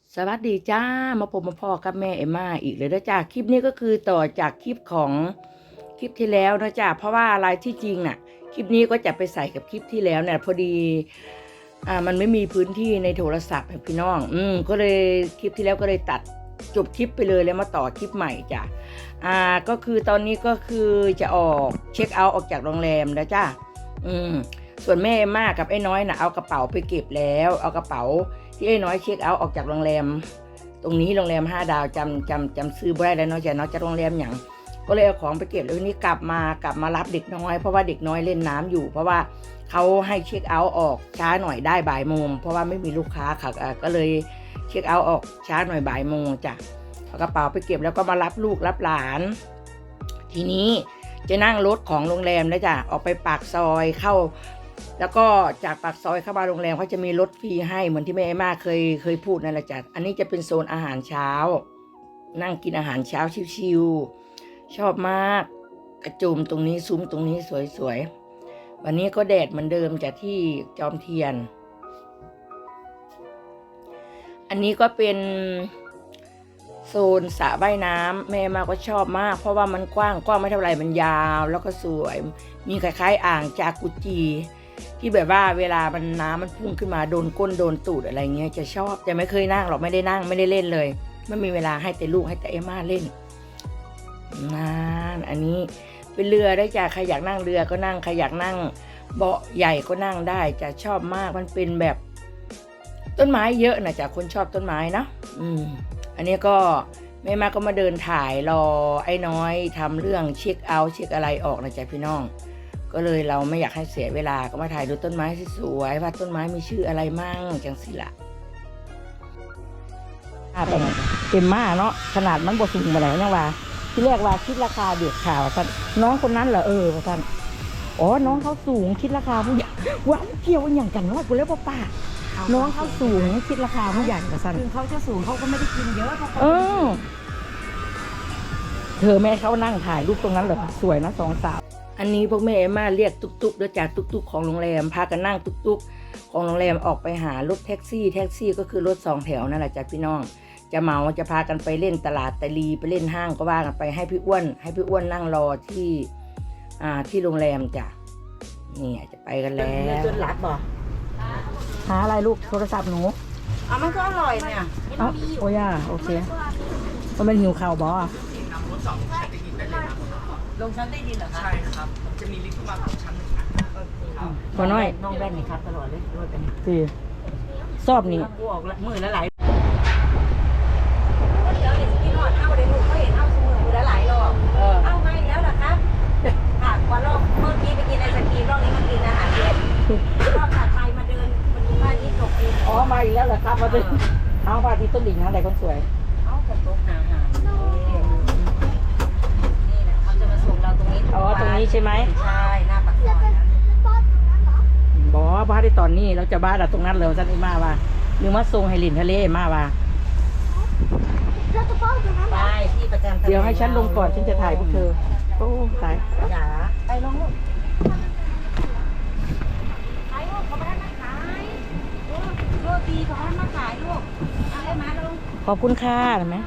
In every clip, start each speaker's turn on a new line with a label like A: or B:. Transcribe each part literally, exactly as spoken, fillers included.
A: สวัสดีจ้ามาพบมาพอกับแม่เอมม่าอีกเลยนะจ้าคลิปนี้ก็คือต่อจากคลิปของคลิปที่แล้วนะจ้าเพราะว่าอะไรที่จริงน่ะคลิปนี้ก็จะไปใส่กับคลิปที่แล้วเนี่ยพอดีอ่ามันไม่มีพื้นที่ในโทรศัพท์พี่น้องอืมก็เลยคลิปที่แล้วก็เลยตัดจบคลิปไปเลยแล้วมาต่อคลิปใหม่จ้าอ่าก็คือตอนนี้ก็คือจะออกเช็คเอาท์ออกจากโรงแรมนะจ้าอืมส่วนแม่เอมม่ากับไอ้น้อยน่ะเอากระเป๋าไปเก็บแล้วเอากระเป๋าที่ไอ้น้อยเช็คเอาท์ออกจากโรงแรมตรงนี้โรงแรมห้าดาวจำจำจำซื้อบ่ได้แล้วเนาะจ้ะเนาะจากโรงแรมอย่างก็เลยเอาของไปเก็บแล้วทีนี้กลับมากลับมารับเด็กน้อยเพราะว่าเด็กน้อยเล่นน้ำอยู่เพราะว่าเขาให้เช็คเอาท์ออกช้าหน่อยได้บ่ายโมงเพราะว่าไม่มีลูกค้าค่ะก็เลยเช็คเอาท์ออกช้าหน่อยบ่ายโมงจ้ะเอากระเป๋าไปเก็บแล้วก็มารับลูกรับหลานทีนี้จะนั่งรถของโรงแรมนะจ้ะออกไปปากซอยเข้าแล้วก็จากปากซอยเข้ามาโรงแรมเขาจะมีรถฟรีให้เหมือนที่แม่เอมม่าเคยเคยพูดนั่นแหละจ้ะอันนี้จะเป็นโซนอาหารเช้านั่งกินอาหารเช้าชิวๆชอบมากกระจุมตรงนี้ซุ้มตรงนี้สวยๆวันนี้ก็แดดเหมือนเดิมจากที่จอมเทียนอันนี้ก็เป็นโซนสระว่ายน้ำแม่มาก็ชอบมากเพราะว่ามันกว้างกว้างไม่เท่าไหร่มันยาวแล้วก็สวยมีคล้ายๆอ่างจากุจีที่แบบว่าเวลามันน้ำมันพุ่งขึ้นมาโดนก้นโดนตูดอะไรเงี้ยจะชอบแต่ไม่เคยนั่งหรอกไม่ได้นั่งไม่ได้เล่นเลยไม่มีเวลาให้แต่ลูกให้แต่เอมม่าเล่นนั่นอันนี้เป็นเรือได้จ้ะใครอยากนั่งเรือก็นั่งใครอยากนั่งเบาะใหญ่ก็นั่งได้จะชอบมากมันเป็นแบบต้นไม้เยอะนะจ้ะคนชอบต้นไม้นะอืมอันนี้ก็แม่มาก็มาเดินถ่ายรอไอ้น้อยทำเรื่องเช็คเอาท์เช็คอะไรออกนะจ๊ะพี่น้องก็เลยเราไม่อยากให้เสียเวลาก็มาถ่ายดูต้นไม้สวยๆว่าต้นไม้มีชื่ออะไรมั่งจังสิละเต็มมากเนาะขนาดมันบวสูงมาแล้วยังว่าที่แรกว่าคิดราคาเด็กข่าวท่านน้องคนนั้นเหรอเออท่านอ๋อน้องเขาสูงคิดราคาผู้ใหญ่ว้าวเกี่ยวอย่างกันว่ากูเรียกว่าป้าน้องเขาสูงคิดราคาผู้ใหญ่กับท่าน
B: ถึงเขาจะสูงเขาก็ไม่ได้กินเยอะเพราะเขา
A: เออเธอแม่เขานั่งถ่ายรูปตรงนั้นเหรอสวยนะสองสาวอันนี้พวกแม่เอมม่าเรียกตุ๊กๆด้วยจากตุ๊กๆของโรงแรมพากันนั่งตุ๊กๆของโรงแรมออกไปหารถแท็กซี่แท็กซี่ก็คือรถสองแถวนั่นแหละจ้ะพี่น้องจะเมาจะพากันไปเล่นตลาดตะลีไปเล่นห้างก็ว่ากันไปให้พี่อ้วนให้พี่อ้วนนั่งรอที่อ่าที่โรงแรมจ้ะนี่จะไปกันแล้ว
B: จนหลับบ่
A: หาอะไรลูกโทรศัพท์หนู
B: อ๋อมันก็อร่อยเนี่ย
A: เอ้าโอ้ย่าโอเคก็เป็นหิวข่าวบอ
B: ลงชั้นได้ดินเหรอคะ
C: ใช่ครับผมจะมีลิฟต์ขึ้นมาสองชั้นหนึ่งชั้นครับ
A: พอน้อย
B: น้องแว่นนี่ครับตลอดเลยรถเป็น
A: สิชอบนี่
B: กูออกมือละหลายเดี๋ยวเห็นพี่นอดเอาเดี๋ยวหนูก็เห็นเอาสมือมือละหลายรอบเอามาอีกแล้วเหรอครับค่ะวันรอบเมื่อกี้ไปกินไอศกรีมรอบนี้มากินอาหารเย็นรอบถัดไปมาเดินมันมีบ้านที่ตกเอง
A: อ๋อมาอีกแล้วเหรอครับมาดิเอาพาที่ต้นดิ่งนะแต่คนสวย
B: เอากระตุกหาหานี่นะเขาจะมาส่งเราตรงนี้
A: อ๋อตรงนี้ใช่ไหม
B: ใช่หน้าปากซอยนะ
A: บอกว่าบ้านที่ตอนนี้เราจะบ้านอะตรงนั้นเลยสันอีมาว่าหรือว่าทรงไฮลินทะเลมาว่า
B: ไปที่ประจำ
A: เดี๋ยวให้ฉันลงก่อนฉันจะถ่ายพวกเธอโอ้ตาย
B: อย่าไปลงลูกขายลูกเขาไม่ได้มาขายโรตีเขาไม่ได้มาขายลูกอะไรมาลง
A: ขอบคุณค่ะเห็นไหม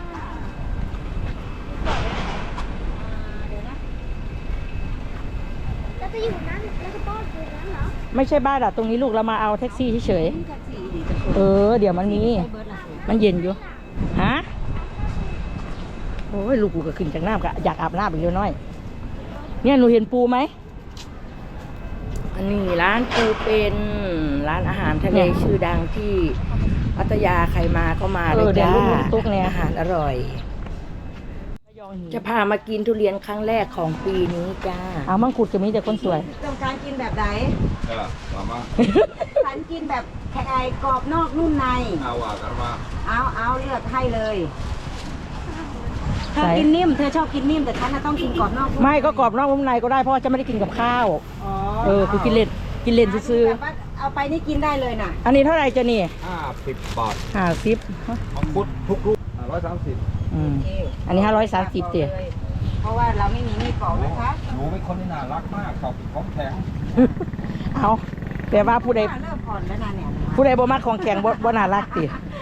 D: แล้วจะอยู่นั้นแล้วจะป้อนอยู่นั้นเหรอ
A: ไม่ใช่บ้านอะตรงนี้ลูกเรามาเอาแท็กซี่เฉยๆเออเดี๋ยวมันมีมันเย็นอยู่ฮะโอ้ยลูกกูก็ขึ้นจากน้ำก็อยากอาบน้ำอีกเล็กน้อยเนี่ยหนูเห็นปูไหมอันนี้ร้านปูเป็นร้านอาหารทะเลชื่อดังที่พัทยาใครมาก็มาเลยจ้าอาหารอร่อยจะพามากินทุเรียนครั้งแรกของปีนี้จ้าเอามังคุดจะมีแต่คนสวย
B: ต้องการกินแบบไหน
C: เออมามา
B: ฉันกินแบบไข่กรอบนอกนุ่มใน
C: เอาว่ากันมา
B: เอาเอาเลือกให้เลยเธอกินนิ่มเธอชอบกินนิ่มแต่ฉันต้องกินกรอบนอก
A: ไม่ก็กรอบนอกนุ่มในก็ได้เพราะจะไม่ได้กินกับข้าวเออคือกินเล่นกินเล่นซื้อ
B: เอาไปนี่กินได้เลยน่ะ
A: อันนี้เท่าไหร่จะนี่
C: ห้าสิบบาท
A: ห้าสิบ
C: มังคุดทุกลูกร้อยสามสิบ
A: อืมอันนี้ห้าร้อยสามสิบเตี๋ย
B: เพราะว่าเราไม่มีมีดปอกนะคะ
C: หนูเป็นคนที่น่ารักมากชอบกินของแข็ง
A: เอาแต่ว่าผู้ใด
B: เลิกผ่อนแล้วนะเนี่ย
A: ผู้ใดบ่มักของแข็งบ่บ่น่ารักติ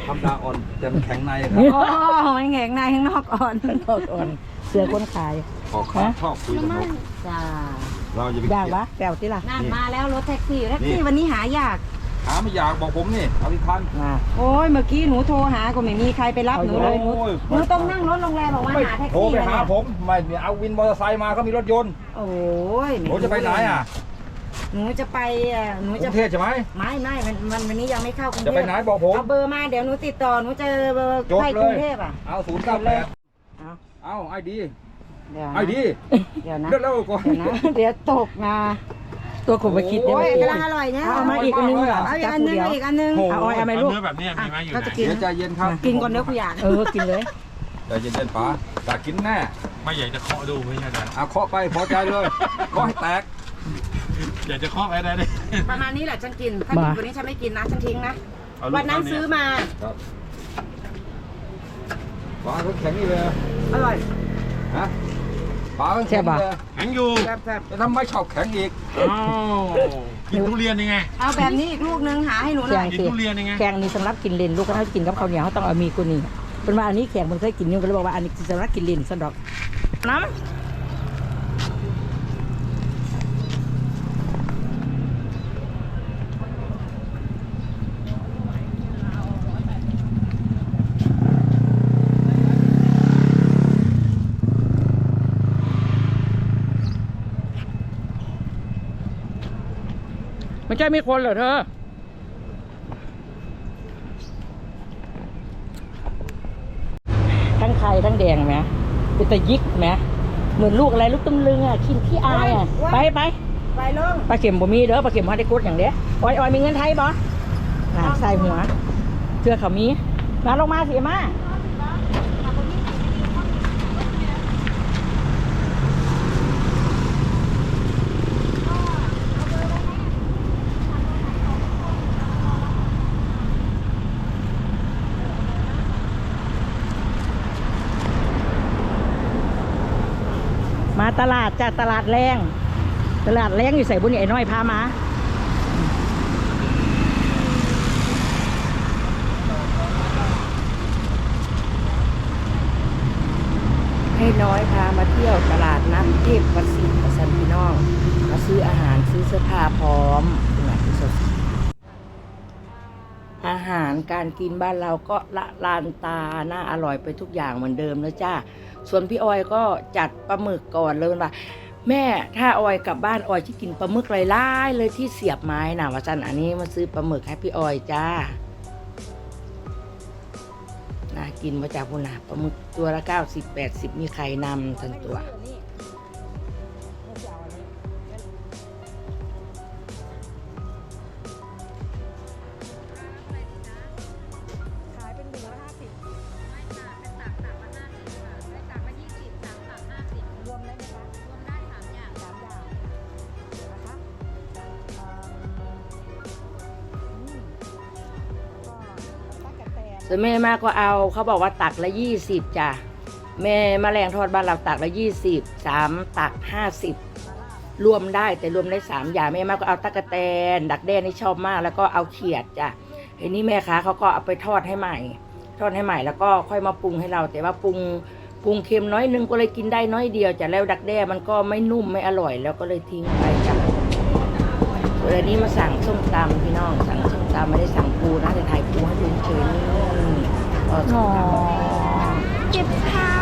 C: ธรรมดาอ่อนแต่มันแข็งในครับ
B: โอ้มันแข็งในข้างนอกอ่อน
A: นอกอ่อนเสือคนขาย
C: ขอข้าชอบคุยกับนก
B: จ้า
C: เราจะไป
A: ยาก
C: เกี่ยว
A: วะแปลวที่ล่ะ
B: นั่นมาแล้วรถแท็กซี่แท็กซี่วันนี้หายาก
C: หาไม่อยากบอกผมนี่เอาที่ทัน
A: มา
B: โอ้ยเมื่อกี้หนูโทรหาก็ไม่มีใครไปรับหนูเลยหนู
C: โอ้ย
B: หนูต้องนั่งรถโรงแรมบอกว่า
C: ไม่
B: หาแท็ก
C: โทร
B: ซี่
C: ไป
B: เลย
C: หาผมไม่เนี่ยเอาวินมอเตอร์ไซค์มาเขามีรถยนต์
B: โอ้ย
C: ผมจะไปไหนอ่ะ
B: หนูจะไปอ่ะหนู
C: ก
B: จะ
C: รุงเทพใช่ไหม
B: ไม่ไม่มันมันวันนี้ยังไม่เข้ากรุงเท
C: จะ
B: พ
C: ไปไหนบอกผม
B: เอาเบอร์มาเดี๋ยวหนูติดต่อหนูเจอเบอร์
C: จด
B: ใคร
C: เล
B: กรุ
C: ย
B: งเทพอ่ะ
C: เอาศูนย์เก้าแปด
B: เอา
C: เอาไอดี
B: เดี๋ยวนะ
C: ไอดี
B: เดี๋ยวนะ
C: เร็วๆก่อน
B: เดี๋ยวนะเดี๋ยวตกนะ
A: ตัวขมมาคิดเนี่ย
B: โอ้ย
A: เมื่อกี้
B: กำลังอร่อยเนี่ย
A: เอามาอีกอันนึงเหรอ
B: เอาอีก
A: จับ
B: อัน
A: ผู้
B: นึง
A: เดียว
B: อีกอันนึง
A: เอาอ้อยเอาไหมลูก
E: เนื้อแบบนี้มีไหมอยู่
B: ก็
E: ไหน
B: จะกิน
C: เดี๋ยวใจเย็นครับ
B: กินก่อนเดี๋ยวกูอยาก
A: เออกินเลย
C: ใจเย็นๆป๋าอยากกินแน่
E: ไม่อยากจะเคาะดูไม่ใช่นะ
C: เอาเคาะไปพอใจเลยเคาะให้แตก
E: อยากจะเคาะไปได้เลย
B: ประมาณนี้แหละฉันกิน ถ้ากินกว่านี้ฉันไม่กินนะฉันทิ้งนะ
E: เอาลูก
B: วันนั้น
E: เย
B: ซื้อมา
C: ครับป๋าเขาแข็งนี่เลย
B: อร่อย
C: ฮะป๋าเขาแข็งนี่เลย
E: แข็งอยู่
B: แซ่บ
C: จะทำไมชอบแข็งอีก
E: อ้าวกินทุเรียนยังไง
B: ๆเอาแบบนี้อีกลูกนึงหาให้หนูห
A: แข็
B: น่อง ย
E: กิน
A: สิ
E: ทุเรียนยังไง
A: แข็งนี่สำหรับกินเลนลูกก็ถ้ากินกับข้าวเหนียวเขาต้องเอามีกุนี่เป็นว่าอันนี้แข็งมันเคยกินอยู่ก็เลยบอกว่าอันนี้สำหรับกินเลนสันดอกน้ำไม่ใช่มีคนเหรอเธอ ทั้งไข่ทั้งแดงไหมเป็นตะยิกไหมเหมือนลูกอะไรลูกตุ้มลึงอ่ะกินขี้อายอ่ะไปไป
B: ไปลง
A: ปลาเข็มบ่มีเด้อปลาเข็มเขาได้กดอย่างเด้อออยออยมีเงินไทยบ่น่ะใส่หัวเสื้อเขามีมาลงมาสิมามาตลาดจ้ะตลาดแรงตลาดแรงอยู่ใส่บุญไอ้น้อยพามาให้น้อยพามาเที่ยวตลาดนัดเทพประสิทธิ์ประสันพี่น้องมาซื้ออาหารซื้อเสื้อผ้าพร้อมนี่แหละที่สดอาหารการกินบ้านเราก็ละลานตาน่าอร่อยไปทุกอย่างเหมือนเดิมแล้วจ้าส่วนพี่ออยก็จัดปลาหมึกก่อนเลยว่าแม่ถ้าออยกลับบ้านออยจะกินปลาหมึกไล่ๆเลยที่เสียบไม้น่ะว่าจันอันนี้มาซื้อปลาหมึกให้พี่ออยจ้าน่ากินมาจากพุ่นน่ะปลาหมึกตัวละเก้าสิบแปดสิบมีไข่นำทั้งตัวส่วนแม่มาก็เอาเขาบอกว่าตักละยี่สิบจ้ะแม่แมลงทอดบ้านเราตักละยี่สิบสามตักห้าสิบรวมได้แต่รวมได้สามอย่างแม่มาก็เอาตะกะแตนดักแด้นี่ชอบมากแล้วก็เอาเขียดจ้ะไอ้นี่แม่ค้าเขาก็เอาไปทอดให้ใหม่ทอดให้ใหม่แล้วก็ค่อยมาปรุงให้เราแต่ว่าปรุงปรุงเค็มน้อยนึงก็เลยกินได้น้อยเดียวจ้ะแล้วดักแด้มันก็ไม่นุ่มไม่อร่อยแล้วก็เลยทิ้งไปจ้ะส่วนอันนี้มาสั่งส้มตำพี่น้องสั่งส้มตำไม่ได้สั่งปูนะแต่ถ่ายปูให้ดูเฉยๆนี่อ๋อ
D: เก็บเท้า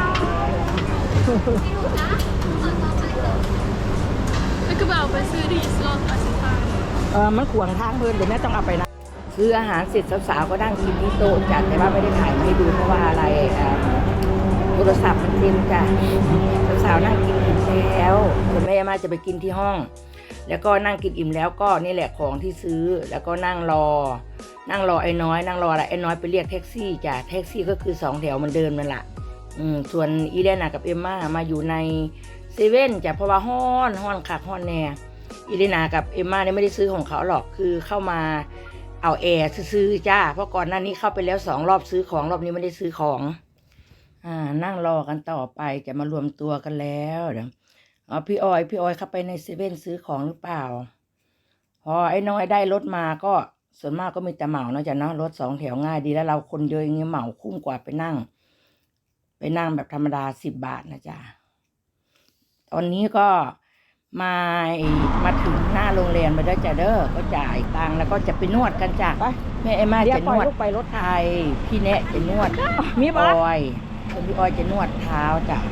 D: แล้วก็แบบไปซื้อที่สล็อตอาสิพา
A: เออมันขวางทางเพื่อนเดี๋ยวแม่ต้องเอาไปนะซื้ออาหารเสร็จสาวๆก็นั่งกินที่โต๊ะจัดแต่ว่าไม่ได้ถ่ายมาให้ดูเพราะว่าอะไรอ่าโทรศัพท์มันเต็มจ้ะสาวๆนั่งกินอิ่มแล้วส่วนแม่มาจะไปกินที่ห้อง แล้วก็นั่งกินอิ่มแล้วก็นี่แหละของที่ซื้อแล้วก็นั่งรอ นั่งรอไอ้น้อยนั่งรออะไรไอ้น้อยไปเรียกแท็กซี่จ้ะแท็กซี่ก็คือสองแถวมันเดินนั่นแหละอืมส่วนอีเลน่ากับเอมม่ามาอยู่ในเซเว่นจ้ะเพราะว่าฮ้อนฮ้อนคักฮ้อนแน่อีเลน่ากับเอมม่าเนี่ยไม่ได้ซื้อของเขาหรอกคือเข้ามาเอาแอร์ซื้อจ้าเพราะก่อนหน้านี้เข้าไปแล้วสองรอบซื้อของรอบนี้ไม่ได้ซื้อของอ่านั่งรอกันต่อไปจะมารวมตัวกันแล้วเดี๋ยวอ๋อพี่ออยพี่ออยเข้าไปในเซเว่นซื้อของหรือเปล่าพอไอ้น้อยได้รถมาก็ส่วนมากก็มีแต่เหมาเนาะจ้ะเนาะรถสองแถวง่ายดีแล้วเราคนเยอะอย่างเงี้ยเหมาคุ้มกว่าไปนั่ง ไปนั่งแบบธรรมดาสิบบาทนะจ๊ะตอนนี้ก็มามาถึงหน้าโรงแรมไปด้วยจ้ะเด้อก็จ่ายตังค์แล้วก็จะไปนวดกันจ้ะแม่เอ็มมาจะนวดไปรถไทยพี่แนะจะนวดมีบอยส่วนพี่ออยจะนวดเท้าจ้ะ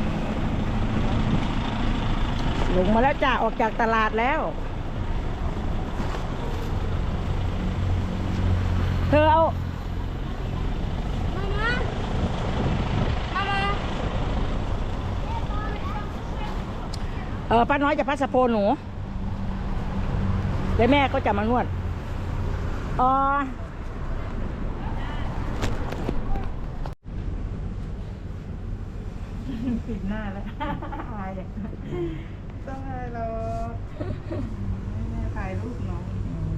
A: ลงมาแล้วจ้ะออกจากตลาดแล้วเธอเอาเออป้าน้อยจะพัดสะโพนหนูแล้วแม่ก็จะมานวดอ๋อปิดหน้าแล้วอายเลยต้องอายเราแม่ถ่ายรูปน้อง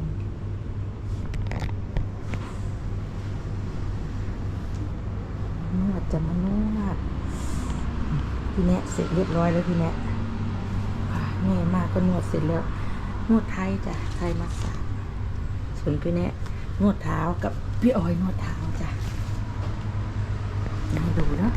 A: นวดจะมานวดพี่แนะเสร็จเรียบร้อยแล้วพี่แนะแม่มากก็นวดเสร็จแล้วนวดไทยจ้ะไทยมัสสาจส่วนพี่แนะนวดเท้ากับพี่ออยนวดเท้าจ้ะมาดูนะ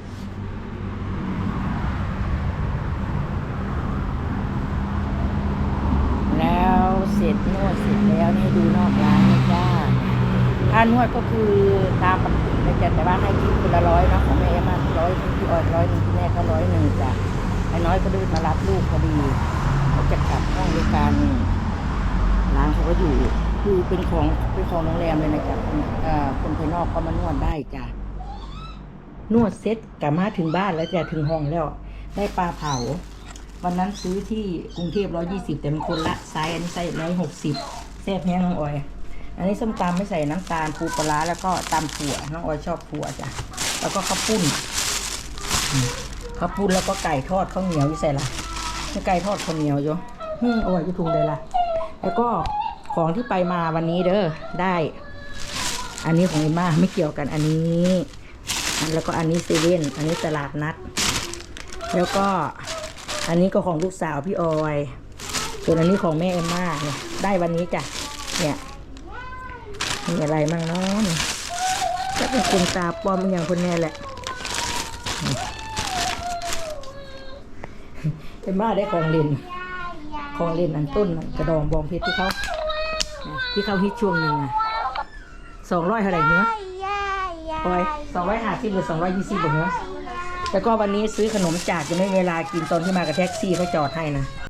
A: แล้วเสร็จนวดเสร็จแล้วให้ดูนอกร้านนะจ้าค่านวดก็คือตามปกตินะจ๊ะแต่ว่าให้คิดคนละร้อยนะของแม่มาร้อยพี่ออยร้อยหนึ่งพี่แม่ก็ร้อยหนึ่งจ้ะไอ้น้อยก็ดื้อมารับลูกพอดีเขาจะกลับห้องด้วยกันร้านเขาก็อยู่คือเป็นของเป็นของโรงแรมเลยนะจ๊ะคนภายนอกก็มานวดได้จ้ะนวดเซ็ตกลับมาถึงบ้านแล้วจ้ะถึงห้องแล้วได้ปลาเผาวันนั้นซื้อที่กรุงเทพร้อยยี่สิบแต่มันคนละไซส์อันนี้ไซส์ร้อยหกสิบแซ่บแห้งน้องออยอันนี้ส้มตำไม่ใส่น้ำตาลปูปลาแล้วก็ตำถั่วน้องออยชอบถั่วจ้ะแล้วก็ข้าวปุ้นข้าวปุ้นแล้วก็ไก่ทอดข้าวเหนียวอยู่ใส่ละไก่ทอดข้าวเหนียวอยู่ฮึ่มออยจะถุงเลยล่ะแล้วก็ของที่ไปมาวันนี้เด้อได้ อันนี้ของเอ็มม่าไม่เกี่ยวกันอันนี้แล้วก็อันนี้เซเว่นอันนี้ตลาดนัดแล้วก็อันนี้ก็ของลูกสาวพี่ออยส่วนอันนี้ของแม่เอ็มม่าเนี่ยได้วันนี้จ้ะเนี่ยมีอะไรมั่งเนาะจะเป็นคนตาปลอมอย่างคนแน่แหละเอ็มม่าได้ของเล่นของเล่นอันต้นกระดองบองเพชรที่เขาที่เขาฮิตช่วงหนึ่งอะสองร้อยเท่าไหร่เนื้อปอยสองร้อยห้าสิบหรือสองร้อยยี่สิบเนื้อแต่ก็วันนี้ซื้อขนมจากจะไม่เวลากินตอนที่มากับแท็กซี่เขาจอดให้นะ